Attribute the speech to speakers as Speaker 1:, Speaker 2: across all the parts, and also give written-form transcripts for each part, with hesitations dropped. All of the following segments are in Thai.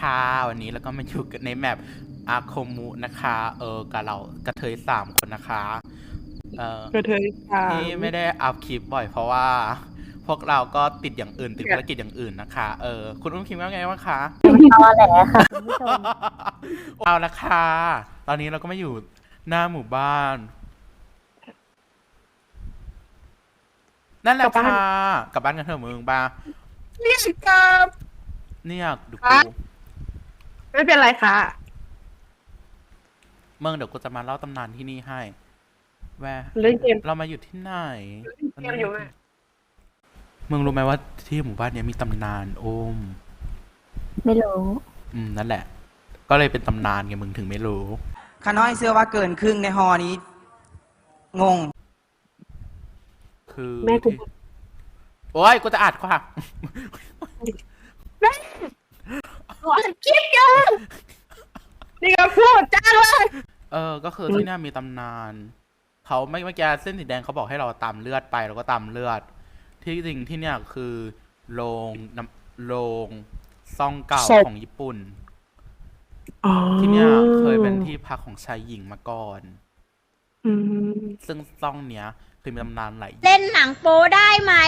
Speaker 1: ค่ะวันนี้แล้วก็มาอยู่กันในแมปอาโคมุนะคะกับเรากระเทย3 คนนะคะเออก
Speaker 2: ระเทยสา
Speaker 1: ที่
Speaker 2: ม
Speaker 1: ไม่ได้อัพคลิปบ่อยเพราะว่าพวกเราก็ติดอย่างอื่นติด
Speaker 2: เนี่ย
Speaker 1: ภารกิจอย่างอื่นนะคะคุณอุ้มคิดว่าไงบ้างคะ
Speaker 3: ตอแหลค่ะคุณผู้ชม
Speaker 1: เอาละค่ะตอนนี้เราก็มาอยู่หน้าหมู่บ้านนั่นแหละค่ะกลับบ้านกันเถอะมึงบ้า
Speaker 2: นี่ครับ
Speaker 1: เนี่ยดู
Speaker 2: ฮะ
Speaker 1: กู
Speaker 2: ไม่เป็นไรค่ะ
Speaker 1: เมืองเดี๋ยวกูจะมาเล่าตำนานที่นี่ให้แวะ
Speaker 2: เล่นเกม
Speaker 1: เรามาอยู่ที่ไหน
Speaker 2: เกมอยู่ไหม
Speaker 1: มึงรู้ไหมว่าที่หมู่บ้านเนี้ยมีตำนานโอม
Speaker 3: ไม่รู้
Speaker 1: นั่นแหละ ก็เลยเป็นตำนานไงมึงถึงไม่รู้
Speaker 4: ขาน้อยเสื้อว่าเกินครึ่งในฮอนี้ งง
Speaker 1: คือ
Speaker 2: แม่กู
Speaker 1: ที่โอ้ยกูจะอัดค่ะ
Speaker 2: ขอคลิปกันนี่ก็พูดจ้าเลย
Speaker 1: ก็คือที่เนี่ยมีตำนานเขาเมื่อกี้เส้นสีแดงเขาบอกให้เราตามเลือดไปเราก็ตามเลือด ที่จริงที่เนี่ยคือโรงน้ำโรงซ่องเก่าของญี่ปุ่น ที่เนี่ยเคยเป็นที่พักของชายหญิงมาก่อน
Speaker 2: อืม
Speaker 1: ซึ่งซ่องเนี้ยเคยมีตำนานหลาย
Speaker 3: เล่นหนังโป๊ได้ไหม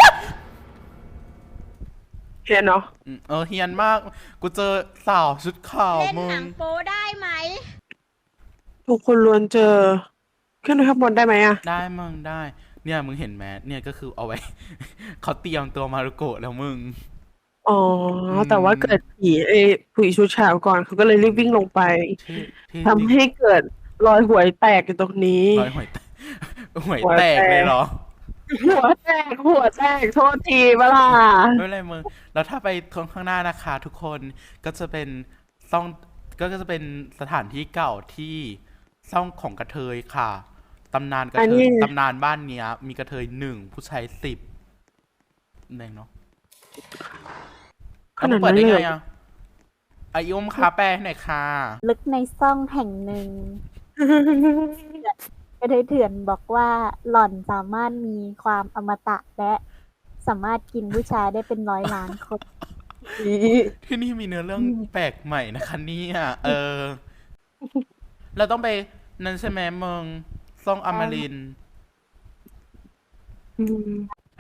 Speaker 2: เห็นเนาะ
Speaker 1: เฮียนมาก กูเจอสาวชุดขาว
Speaker 3: เล่น
Speaker 1: มึ
Speaker 3: หนั
Speaker 1: ง
Speaker 3: งโป๊ได้ไหม
Speaker 2: ทุกคนล้วนเจอ ขึ้นไปข้างบนได้ไหมอ่ะ
Speaker 1: ได้มึงได้ เนี่ยมึงเห็นไหมเนี่ยก็คือเอาไว้ เขาเตรียมตัวมารุโกะแล้วมึง
Speaker 2: อ๋อ แต่ว่าเกิดผีชุดขาวก่อนเขาก็เลยรีบวิ่งลงไป
Speaker 1: ที่
Speaker 2: ทำให้เกิดรอยหวยแตกอยู่ตรงนี้
Speaker 1: รอยหวยแตก หวยแตกเลยเหรอ
Speaker 2: หัวแตกโทษทีเวลา
Speaker 1: ไม่เป็นไรมึงแล้วถ้าไปข้างหน้านะคะ ทุกคนก็จะเป็นซ่องก็จะเป็นสถานที่เก่าที่ซ่องของกระเทยค่ะตำนานกระ
Speaker 2: อัน
Speaker 1: เท
Speaker 2: นี้
Speaker 1: ยตำนานบ้านเนี้ย มีกระเทย1ผู้ชาย10เองเนาะ
Speaker 2: ขนาด
Speaker 1: เปิด
Speaker 2: นั้น
Speaker 1: ได้
Speaker 2: เลย
Speaker 1: ไง
Speaker 2: เหรอ
Speaker 1: อ่ะอายุมคาแปลให้หน่อยค่ะ
Speaker 3: ลึกในซ่องแห่งหนึ่งกระเทยเถื่อนบอกว่าหล่อนสามารถมีความอมตะและสามารถกินผู้ชายได้เป็น100 ล้านคน
Speaker 1: ที่นี่มีเนื้อเรื่องแปลกใหม่นะคะเนี่ยเราต้องไปนั่นใช่ไหมเมืองซ่องอมรินทร์
Speaker 2: อืม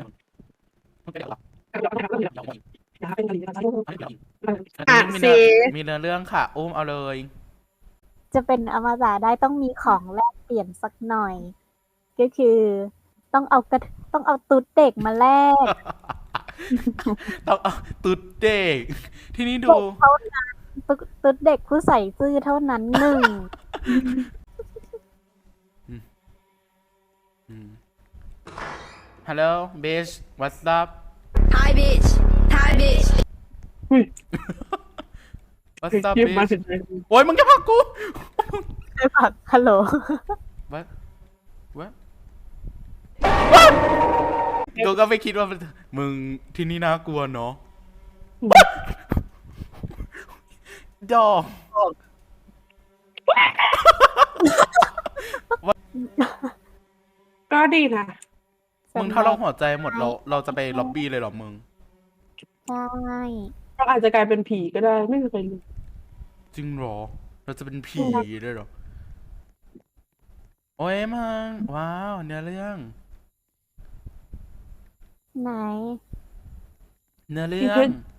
Speaker 2: อ่ะ
Speaker 1: มี
Speaker 2: สิ
Speaker 1: เนื้อเรื่องค่ะ อุ้มเอาเลย
Speaker 3: จะเป็นอมตะได้ต้องมีของแลกเปลี่ยนสักหน่อย ก็คือต้องเอาตุ๊ดเด็กมาแลก
Speaker 1: ต้องเอาตุ๊ดเด็ก ที่นี่ดู
Speaker 3: เท่านั้นตุ๊ดเด็กผู้ใส่ซื่อเท่านั้นหนึ่ง
Speaker 1: ฮัลโหลเบช what's up
Speaker 5: Hi bitch. Hi bitch.
Speaker 1: what's up
Speaker 2: คลิปมา
Speaker 1: bitch
Speaker 2: ถึงไหน
Speaker 1: โอ้ยมึงจะพักกู
Speaker 3: ใช่ปะฮัลโหล
Speaker 1: what what กูก็ไม่คิดว่ามึงที่นี่น่ากลัวเนาะดอก
Speaker 2: ก็ดีนะ
Speaker 1: มึงถ้าเราหัวใจหมดเราจะไปล็อบบี้เลยเหรอมึง
Speaker 3: ใช่
Speaker 2: เราอาจจะกลายเป็นผีก็ได้ไม่เคยรู้
Speaker 1: จริงเหรอ เราจะเป็นผีด้วยเหรอ โอ้ยมึงว้าวเนื้อเรื่อง
Speaker 3: ไหน
Speaker 1: เนื้อเรื่อง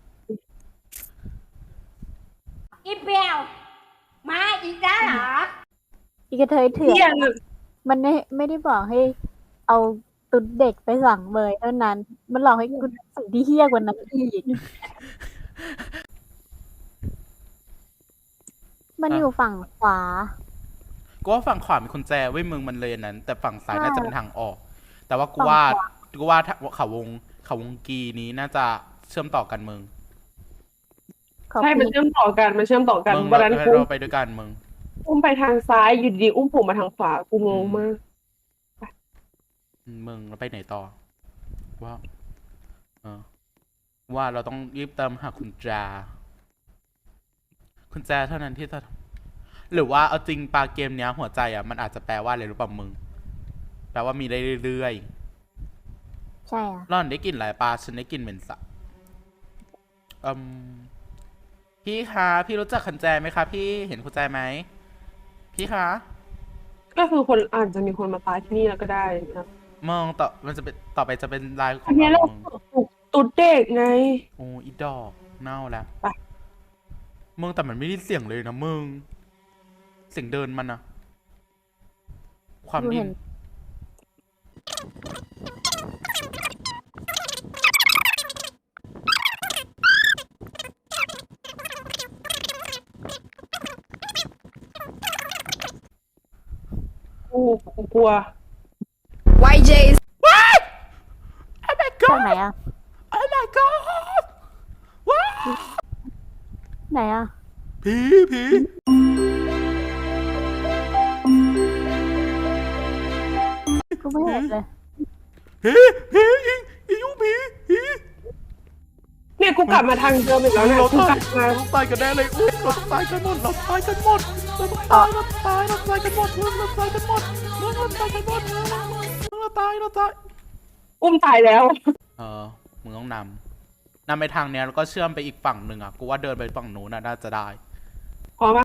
Speaker 5: อีเปียวมาอีกแล้วเหรอ
Speaker 3: อีกระเทยเถื่อ
Speaker 2: เที่ย
Speaker 3: น
Speaker 2: ง
Speaker 3: มันไม่ได้บอกให้เอาตุ๊ดเด็กไปสั่งเบยเท่านั้น มันหลอกให้คุณสิ่งที่เฮี้ยกว่านั้นอีก มันอยู่ฝั่งขวา
Speaker 1: กูว่าฝั่งขวามีกุญแจเว้ยมึงมันเลยอันนั้น แต่ฝั่งซ้าย
Speaker 3: ใช่
Speaker 1: น่าจะเป็นทางออก แต่ว่ากู
Speaker 3: ฝั่ง
Speaker 1: ว่า
Speaker 3: ขวา
Speaker 1: กูว่าเขาวงกีนี้น่าจะเชื่อมต่อกันมึง
Speaker 3: ขอบ
Speaker 2: ใช่
Speaker 3: คุ
Speaker 2: มัน
Speaker 3: ณ
Speaker 2: เชื่อมต่อกัน
Speaker 1: มึง
Speaker 2: วันนั้นกู
Speaker 1: เราไปด้วยกันมึง
Speaker 2: อุ้มไปทางซ้ายอยู่ดีอุ้มผมมาทางขวากูงงมาก
Speaker 1: มึงเราไปไหนต่อ ว่าว่าเราต้องรีบตามหาคุณแจเท่านั้นที่จะหรือว่าเอาจริงปลาเกมเนี้ย หัวใจมันอาจจะแปลว่าอะไรรู้ป่ะมึง แปลว่ามีได้เรื่อย
Speaker 3: ใช่อ่ะ
Speaker 1: ๆร่อนได้กลิ่นหลายปลาฉันได้กลิ่นเหม็นสะพี่คะพี่รู้จักคุณแจไหมคะพี่เห็นคุณแจไหมพี่คะ
Speaker 2: ก็คือคนอาจจะมีคนมาตายที่นี่แล้วก็ได้นะ
Speaker 1: มองต่อมันจะเป็นต่อไปจะเป็นลายข
Speaker 2: อั
Speaker 1: อน ง
Speaker 2: นี้
Speaker 1: เรา
Speaker 2: เรา
Speaker 1: มึง
Speaker 2: ปลูกตุ๊ดเด็กไง
Speaker 1: โอ้อีดอกเน่าแล้ว
Speaker 2: ไป
Speaker 1: มึงแต่มันไม่ได้เสียงเลยนะมึงเสียงเดินมันอะความ
Speaker 3: ดู
Speaker 1: ดิ้
Speaker 3: เห็
Speaker 1: น
Speaker 3: น
Speaker 2: กูกลัว
Speaker 6: YJ's
Speaker 1: โอ้ my
Speaker 3: จาก
Speaker 1: god
Speaker 3: ไหนอะ
Speaker 1: oh my god ว้า
Speaker 3: ไหนอะ
Speaker 1: ผีผี
Speaker 3: กูไม่เห็นเลย
Speaker 1: ผีผีอียูผีผี
Speaker 2: เนี่ยกูกลับมาทางเดิมอีกแล้วเนี่ย
Speaker 1: เรา
Speaker 2: กู
Speaker 1: ตาก ย
Speaker 2: ลับมา
Speaker 1: เราตายกันแน่เลยอุ้ยเราตายกันหมดเราตายกันหมดเราต้องตายเราตายเราตายกันหมดมึงเราตายกันหมดมึงเราตายกันหมดมึงเราตายเราตาย
Speaker 2: อุ้มตายแล้ว
Speaker 1: มึงต้องนำไปทางเนี้ยแล้วก็เชื่อมไปอีกฝั่งหนึ่งอ่ะ กูว่าเดินไปฝั่งนู้นน่าจะได้
Speaker 2: พอปะ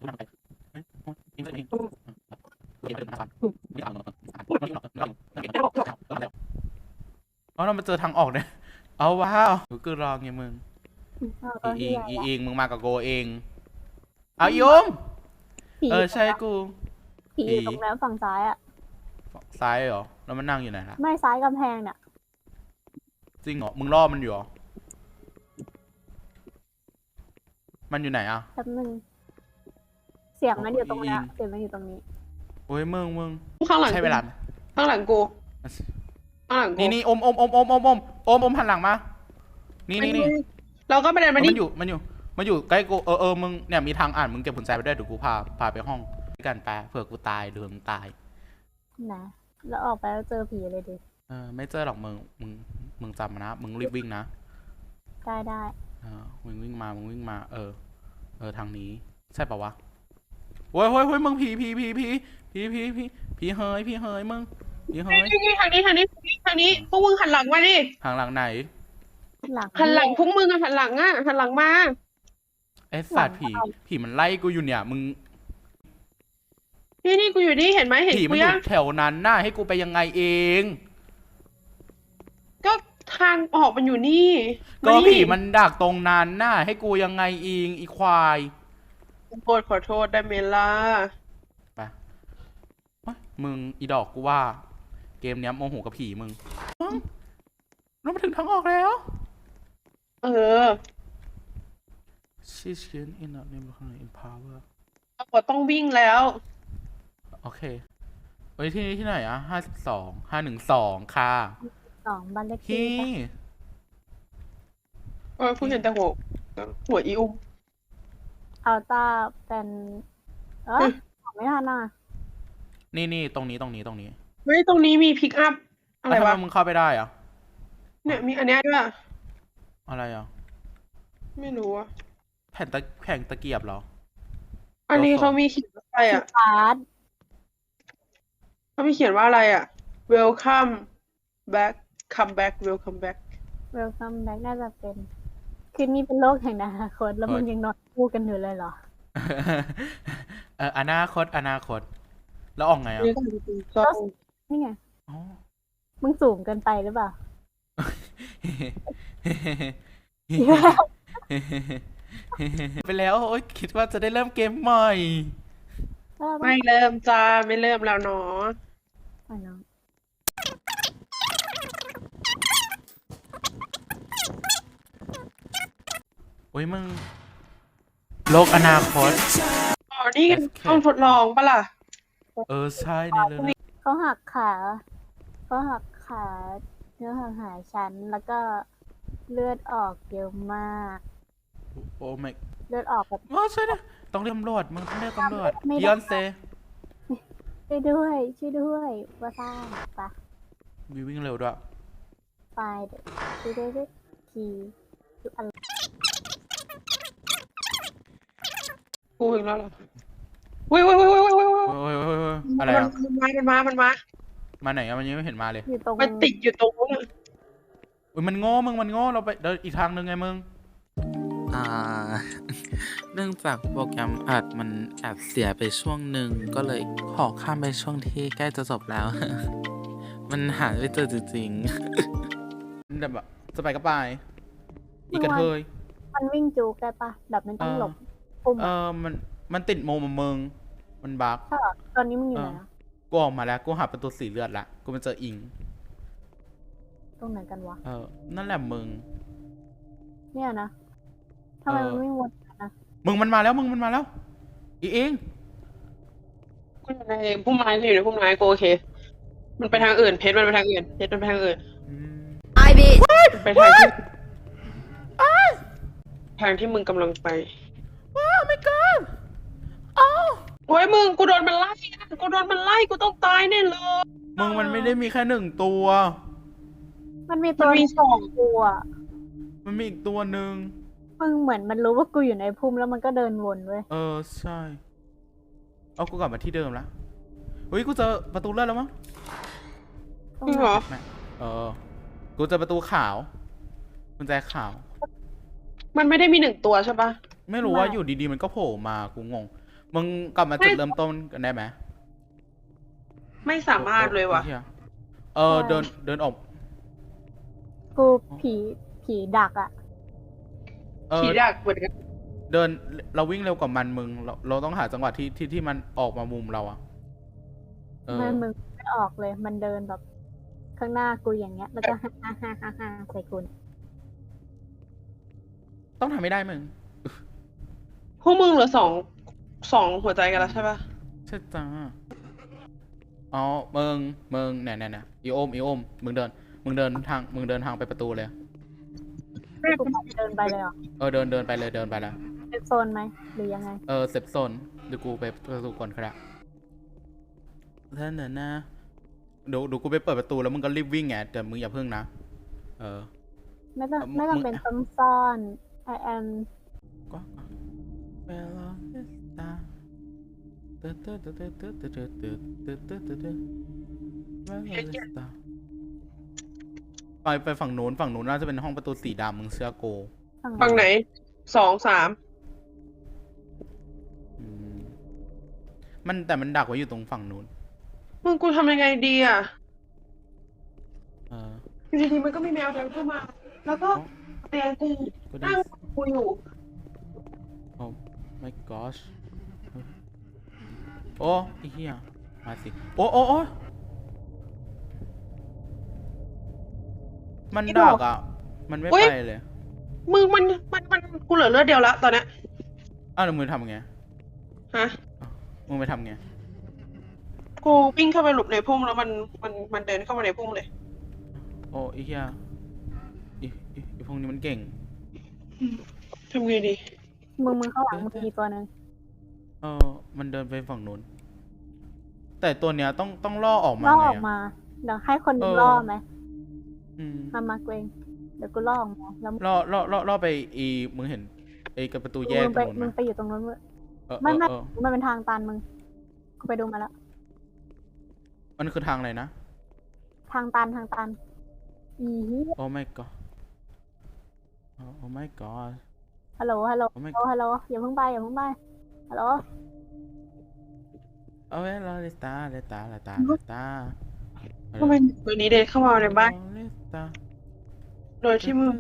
Speaker 1: เอาเรามาเจอทางออกเนี่ยเอาว้าวกูรองไงมึง
Speaker 3: ตอน
Speaker 1: อี
Speaker 3: ที่
Speaker 1: อิง
Speaker 3: ไหน
Speaker 1: อี
Speaker 3: วะ
Speaker 1: อิงมึงมากับโกเอง เอายม
Speaker 3: ผี
Speaker 1: ใช่กู
Speaker 3: ผีอยู่ตรงนั้นฝั่งซ้ายอะ
Speaker 1: ซ้ายเหรอ แล้วมันนั่งอยู่ไหนล่ะ
Speaker 3: ไม่ซ้ายกำแพงเนี่ย
Speaker 1: จริงเหรอ มึงล่อมันอยู่เหรอ มันอยู่ไหนอ่ะ
Speaker 3: แป๊บนึงเสียงมันอยู่ตรงเนี้ย
Speaker 1: อี
Speaker 3: เสียงมันอยู่ตรงนี้
Speaker 1: โอ้ยมึง
Speaker 2: ข้างหลัง
Speaker 1: ใช้เวลาไหม
Speaker 2: ข้างหลังกูข้างหลังกู
Speaker 1: นี่อมหันหลังมา นี่
Speaker 2: เราก็ไม่ได้มา
Speaker 1: มัน
Speaker 2: นี่
Speaker 1: อยู่ใกล้กูมึงเนี่ยมีทางอ่านมึงเก็บกุญแจไปด้วยเดี๋ยวกูพาไปห้องกันไปเผื่อกูตายหรือมึงตาย
Speaker 3: นะแล้วออกไปแล้วเจอผีเลยดิ
Speaker 1: ไม่เจอหรอกมึงจำนะมึงรีบวิ่งนะ
Speaker 3: ได้
Speaker 1: มึงวิ่งมาทางนี้ใช่ปะวะโว้ยมึงผีเฮ้ยมึงผีเฮ้ยมึงผีเฮ้ย
Speaker 2: นี่ทางนี้พวกมึงหันหลังมาดิ
Speaker 1: ทางหลังไหน
Speaker 3: หลัง
Speaker 2: หันหลังพวกมึงอะหันหลังมา
Speaker 1: ไอ้สัตว์ผีมันไล่กูอยู่เนี่ยมึง
Speaker 2: นี่กูอยู่นี่เห็นไหมเห็น
Speaker 1: ผีมั
Speaker 2: กู
Speaker 1: นอ
Speaker 2: ยั
Speaker 1: ยู่
Speaker 2: ง
Speaker 1: แถวนั้นน่ะให้กูไปยังไงเอง
Speaker 2: ก็ทางออกมันอยู่นี่
Speaker 1: ก็
Speaker 2: า
Speaker 1: ผีมันดักตรงนั้นน่ะให้กูยังไงเองอีควาย
Speaker 2: ขอโทษได้เมล่า
Speaker 1: ไปเฮ้ยมึงอีดอกกูว่า เกมเนี้ยโมโหกับผีมึงเรามาถึงทางออกแล้ว
Speaker 2: เออ
Speaker 1: She's in a neighborhood in power
Speaker 2: เราต้องวิ่งแล้ว
Speaker 1: โอเคเฮ้ยที่ไหนอะ512ค่ะ
Speaker 3: 2บ้านเลขที่
Speaker 1: พี่
Speaker 3: ปะ
Speaker 2: พูดเห็นแต่หัวอีอุ้ม
Speaker 3: อัลต้าเป็นบอกไม่ทันอ่ะ
Speaker 1: นี่ตรงนี้
Speaker 2: เฮ้ยตรงนี้มีพิกอัพอะไร
Speaker 1: แล้วทำ
Speaker 2: วะ
Speaker 1: ไมมึงเข้าไปได้อะ
Speaker 2: เนี่ยมีอันเนี้ยด้วย
Speaker 1: อะไรอะ
Speaker 2: ไม่รู้อะ
Speaker 1: แผ่นตะเกียบเหรอ
Speaker 2: อันนี้เขามีเขียนว่าอะไรอะ
Speaker 3: พาร์ท
Speaker 2: เขามีเขียนว่าอะไรอะ welcome back come back welcome back
Speaker 3: เวลคัมแบ็กน่าจะเป็น คือนี่เป็นโลกแห่งอนาคตแล้วมึงยังนอนคู่กันอยู่เลยเหรอ
Speaker 1: อนาคตแล้วออกไงอะ
Speaker 2: นี่ก็เป็นกล้อง
Speaker 3: นี่ไง
Speaker 1: อ๋อ
Speaker 3: มึงสูงเกินไปหรือเปล่า
Speaker 1: ไปแล้วโอ๊ยคิดว่าจะได้เริ่มเกมใหม่
Speaker 2: ไม่เริ่มจ้าไม่เริ่มแล้วเนาะ
Speaker 3: ไปน้อง
Speaker 1: โอ้ยมึง โลกอนาคต
Speaker 2: อ๋อนี่ห้องทดลองปะล่ะ
Speaker 1: ใช่ในเรื่องนี้
Speaker 3: เขาหักขาเนื้อหักหายชั้นแล้วก็เลือดออกเยอะมาก
Speaker 1: โอ้ไม่
Speaker 3: เลือดออกแบบ
Speaker 1: ว้าใช่นะต้องเรียกตำรวจมึงต้องเรียกตำรวจ
Speaker 3: ไม่ได้
Speaker 1: ยอนเซ
Speaker 3: ช่วยด้วยว่าซ่าปะ
Speaker 1: วิ่งเร็วด้วย
Speaker 3: ไปเดี๋ยวช่วยด้วยทีดูอะไร
Speaker 2: กูถึงแล้วเหรอเว้ย
Speaker 1: โอ้ยอะไรอะ
Speaker 2: มันมา
Speaker 1: มาไหนอะมันยังไม่เห็นมาเลย
Speaker 3: อยู่ตรง
Speaker 2: มันติดอยู่ตรงนู้นอะ
Speaker 1: อุ้ยมันโง่เราไปเดินอีกทางหนึ่งไงมึง
Speaker 7: อ่า
Speaker 1: เนื่องจากโปรแกรมอัดมันแอบเสียไปช่วงหนึ่งก็เลยขอข้ามไปช่วงที่ใกล้จะจบแล้ว มันหาไม่เจอจริงๆแต่แบบจะไปก็ไป อีกกระเทย
Speaker 3: มันวิ่งจูกได้ปะแบบมันต้องหลบปุ่ม
Speaker 1: มันติดโมมมึงมันบั๊ก
Speaker 3: ใช่เหรอตอนนี้มึงอยู่ไหนอะ
Speaker 1: กูออกมาแล้วกูหาประตูสีเลือดละกูมาเจออิง
Speaker 3: ตรงไหนกันวะ
Speaker 1: นั่นแหละมึง
Speaker 3: เนี่ยนะทำไมมันวิ่งวนนะ
Speaker 1: มึงมันมาแล้วมึงมันมาแล้ว อีเอง
Speaker 2: กูอยู่ในพุ่มไม้กูอยู่ในพุ่มไม้กูโอเค มันไปทางอื่นเพชรมันไปทางอื่นเพชรมันไปทางอื่น
Speaker 6: I bitch.
Speaker 2: มันไปทางที่ทางที่มึงกำลังไป
Speaker 1: ว้าวไม่ก่อนอ้าว
Speaker 2: โอ้ยมึงกูโดนมันไล่นะกูโดนมันไล่กูต้องตายแน่เลย
Speaker 1: มึงมันไม่ได้มีแค่1 ตัว
Speaker 3: มันมีตัว
Speaker 2: มันมีสอง
Speaker 3: ตัว
Speaker 1: มันมีอีกตัวหนึ่ง
Speaker 3: มึงเหมือนมันรู้ว่ากูอยู่ในพุ่มแล้วมันก็เดินวนเว้ย
Speaker 1: ใช่ เอากูกลับมาที่เดิมละเฮ้ยกูเจอประตูเลื่อนแล้วมั้ง
Speaker 2: จริงเหรอ
Speaker 1: ไม่กูเจอประตูขาวกุญแจขาว
Speaker 2: มันไม่ได้มี1 ตัวใช่ปะ
Speaker 1: ไม่รู้ว่าอยู่ดีๆมันก็โผล่มากูงง มึงกลับมาจุดเริ่มต้นกันได้ไหม
Speaker 2: ไม่สามารถเลยว่ะ
Speaker 1: หี้เดินออก
Speaker 3: กูผีดักอ่ะ
Speaker 2: ผีดักเหมือนกัน
Speaker 1: เดินเราวิ่งเร็วกว่ามันมึงเราต้องหาจังหวะที่มันออกมามุมเราอะ
Speaker 3: มันมึงไม่ออกเลย มันเดินแบบข้างหน้ากูอย่างเงี้ย แล้วก็ฮ่าฮ่าฮ่าฮ่าฮ่าใส่กู
Speaker 1: ต้องทำไม่ได้มึง
Speaker 2: พวกมึงเหลือสองหัวใจกันแล้วใช่ปะ
Speaker 1: ใช่จ้าอ๋อมึงเนี่ยอีโอมมึงเดินทางไปประตูเลย
Speaker 3: กูเดินไปเลยเหรอ
Speaker 1: เดินไปเลยเดินไปแล้ว
Speaker 3: เป็นโซนไหมหรือยังไง
Speaker 1: เซฟโซนเดี๋ยวกูไปประตูก่อนครับท่านน่ะนะดูกูไปเปิดประตูแล้วมึงก็รีบวิ่งไงแต่มึงอย่าเพิ่งนะ
Speaker 3: ไม่ต้อง
Speaker 1: มึง
Speaker 3: เป็นต้องซ่อน I am
Speaker 1: ก็เวลาตาไปฝั่งนู้นน่าจะเป็นห้องประตูสีดำมึงเชื่อโก
Speaker 2: ฝั่งไหน2 3
Speaker 1: แต่มันดักไว้อยู่ตรงฝั่งนู้น
Speaker 2: มึงกูทำยังไงดีอ่ะ
Speaker 1: เออ
Speaker 2: อยู่ดีๆมันก็มีแมวเดินเข้ามา แล้วก็เตียงกู
Speaker 1: ก็ได้
Speaker 2: นั่งกูอยู่
Speaker 1: โอ้ my gosh โอ้ไอ้เหี้ยมาสิโอ้มันดักอ่ะ มันไม่ไปเลย
Speaker 2: มึงมันกูเหลือเลือดเดียวละตอนเนี้ย
Speaker 1: แล้วมึงทำไง
Speaker 2: ฮะ
Speaker 1: มึงไปทำไง
Speaker 2: กูวิ่งเข้าไปหลบในพุ่มแล้วมันเดินเข้ามาในพุ่มเลย
Speaker 1: โอ้ไอ้เหี้ยไอ้พวกนี้มันเก่ง
Speaker 2: ทำไงดี
Speaker 3: มึงข้างหลังมึงมีตัวนึง
Speaker 1: มันเดินไปฝั่งนู้น แต่ตัวเนี้ยต้องล่อออกมา
Speaker 3: ล่อ
Speaker 1: ไง
Speaker 3: ออกมา เดี๋ยวให้คนนึงล่อไหมมาเกรงเดี๋ยวกูล่อออกมาแล้ว
Speaker 1: ล่อไปมึงเห็นกับประตูแยก
Speaker 3: มึง
Speaker 1: ต
Speaker 3: ไป
Speaker 1: รงนู้น
Speaker 3: มึง
Speaker 1: ไหม
Speaker 3: ไปอยู่ตรงนู้นเว้ย
Speaker 1: ไม่
Speaker 3: มันเป็นทางตันมึง กูไปดูมาแล้ว
Speaker 1: มันคือทางอะไรนะ
Speaker 3: ทางตันอีเหี้ย
Speaker 1: โอ้ my god โอ้ my god
Speaker 3: ฮัลโหล
Speaker 1: Oh my god
Speaker 3: ฮัลโหลอย่าเพิ่งไปฮัลโหล
Speaker 1: เอาไว้รอเลตา
Speaker 2: ทำไมตัวนี้เดินเข้ามาในบ้าน โดยที่มึง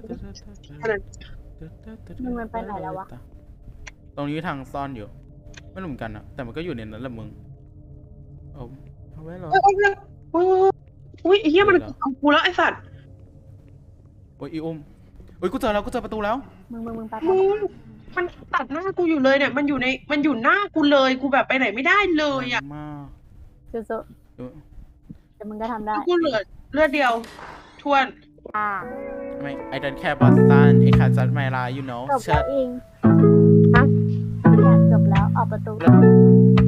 Speaker 3: มึงมันไปไหนแล้ววะ
Speaker 1: ตรงนี้ทางซ่อนอยู่ ไม่รู้เหมือนกันนะแต่มันก็อยู่ในนั้นแหละมึงเอาไว้รอ
Speaker 2: อุ้ยไอ้เหี้ยมันเอากูแล้วไอ้สัตว์
Speaker 1: โอ้ยอุ้มโอ้ยกูเจอประตูแล้ว
Speaker 3: มึงไป
Speaker 2: มึงมันตัดหน้ากูอยู่เลยเนี่ย มันอยู่หน้ากูเลย กูแบบไปไหนไม่ได้เลยอ่ะ
Speaker 1: มาก
Speaker 3: สู้ๆเดี๋ยวมึงก็ทำได้
Speaker 2: กูเหลือเลือดเดียวทวน
Speaker 1: ไม่ I don't care about sun I can't judge my life you know
Speaker 3: จบแล้วเอง
Speaker 2: ฮะ
Speaker 3: เนี่ยจบแล้วออกประตู